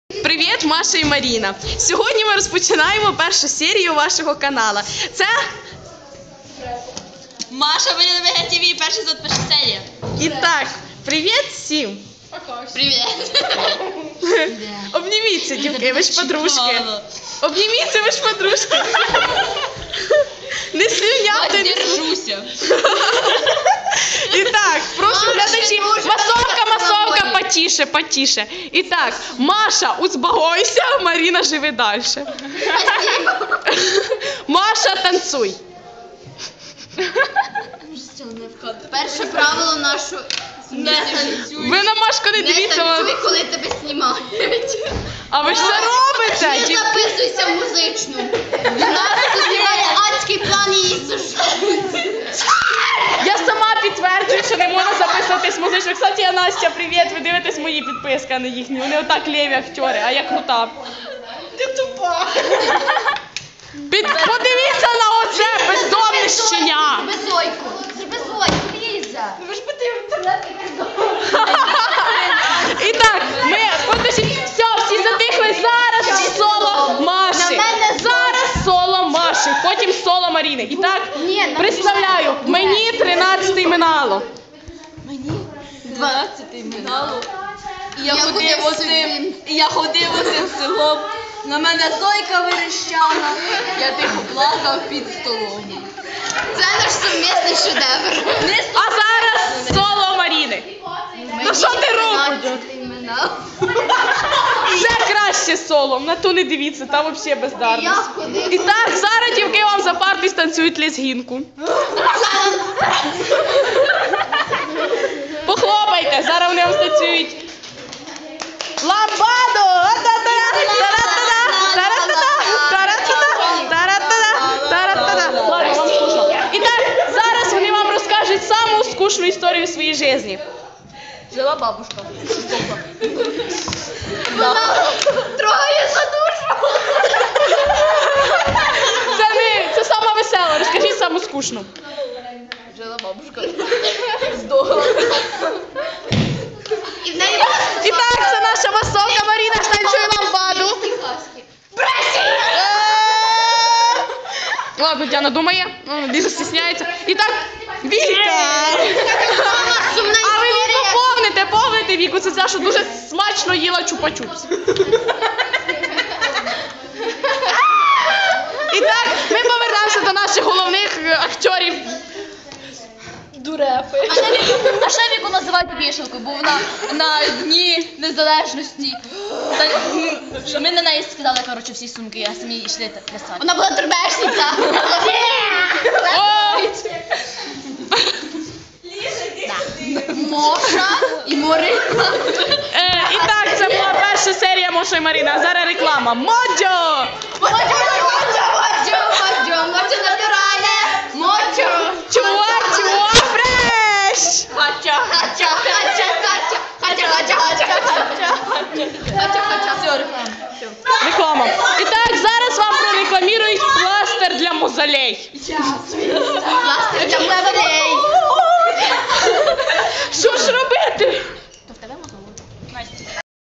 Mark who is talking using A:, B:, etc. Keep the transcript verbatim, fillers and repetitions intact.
A: Привіт, Маша і Маріна. Сьогодні ми розпочинаємо першу серію вашого каналу. Це
B: Маша, Маріна, ВГ ТВ, перша тут перша серія.
A: І так, привіт всім.
B: Привіт.
A: Обніміться, дівки, ви ж подружки. Обніміться, ви ж подружки. Не слюняти, не
B: держуся.
A: І так, прошу глядачі, масовка, масовка, потише, потише. І так, Маша, успокойся, Маріна, живи далі. Маша, танцуй.
B: Перше правило наше не танцюй.
A: Ви на Машку не
B: Не
A: дивіться.
B: танцюй, коли тебе знімають.
A: А ви ж це робите?
B: Не
A: Ді-
B: записуйся в музичну. У нас тут знімає адський план її сушати.
A: Я сама підтверджую, що не можна записуватись музично. Кстати, я Настя, привіт, ви дивитесь мої підписки, а не їхні. Вони отак лєві актери, а я крута.
B: Ти тупа.
A: Під... Подивіться на оце бездомне щеня.
B: Зроби зойку. Зроби зойку, Ліза. Ви ж би ти в інтернеті
A: І так, ми, подождіть, все, всі затихли, зараз соло Маші. Зараз соло Маші, потім соло Маріни. І так, представляю, мені тринадцятий минало.
B: дванадцятий минало. І я ходив оцим, і я ходив оцим селом. На мене Зойка верещала. Я тихо плакав під столом. Це наш сумісний шедевр.
A: А зараз соло Маріни. Ну що ти робиш? Ще краще соло, на ту не дивіться, там взагалі бездарність. І так, зараз дівки вам за партою станцюють лезгінку. Похлопайте, зараз вони вам станцюють. Ламбаду! Ладно, вам скучно. І так, зараз вони вам розкажуть саму скучну історію в своїй житті.
B: Жила бабушка. Вона трогає за душу.
A: Це не, це сама весела, розкажіть саму скучну.
B: Жила бабушка. Здохла. І в неї
A: І так, це наша масовка Маріна станцює ламбаду. Ладно, Діана думає, Ліза стісняється. І так, Віка! А ви Віку повните, повните Віку, це ця, що дуже смачно їла чупа-чупс. І так, ми повернемося до наших головних акторів.
B: Дурепи. А ще Віку називають вішалкою, бо вона на Дні Незалежності. Та, що ми на неї скидали, коротше, всі сумки, а самі йшли плясати. Вона була турбешниця. Моша і Морина.
A: Е, і так, це була перша серія Моша і Маріна, а зараз реклама. Моджо!
B: Моджо, моджо, моджо, моджо, моджо натуральне, моджо.
A: Чуа, чуа, фреш!
B: Хача, хача, хача, хача, хача, хача, хача, хача, хача, хача. Все, реклама.
A: Реклама. І так, зараз вам прорекламірують пластир для мозолей.
B: Час.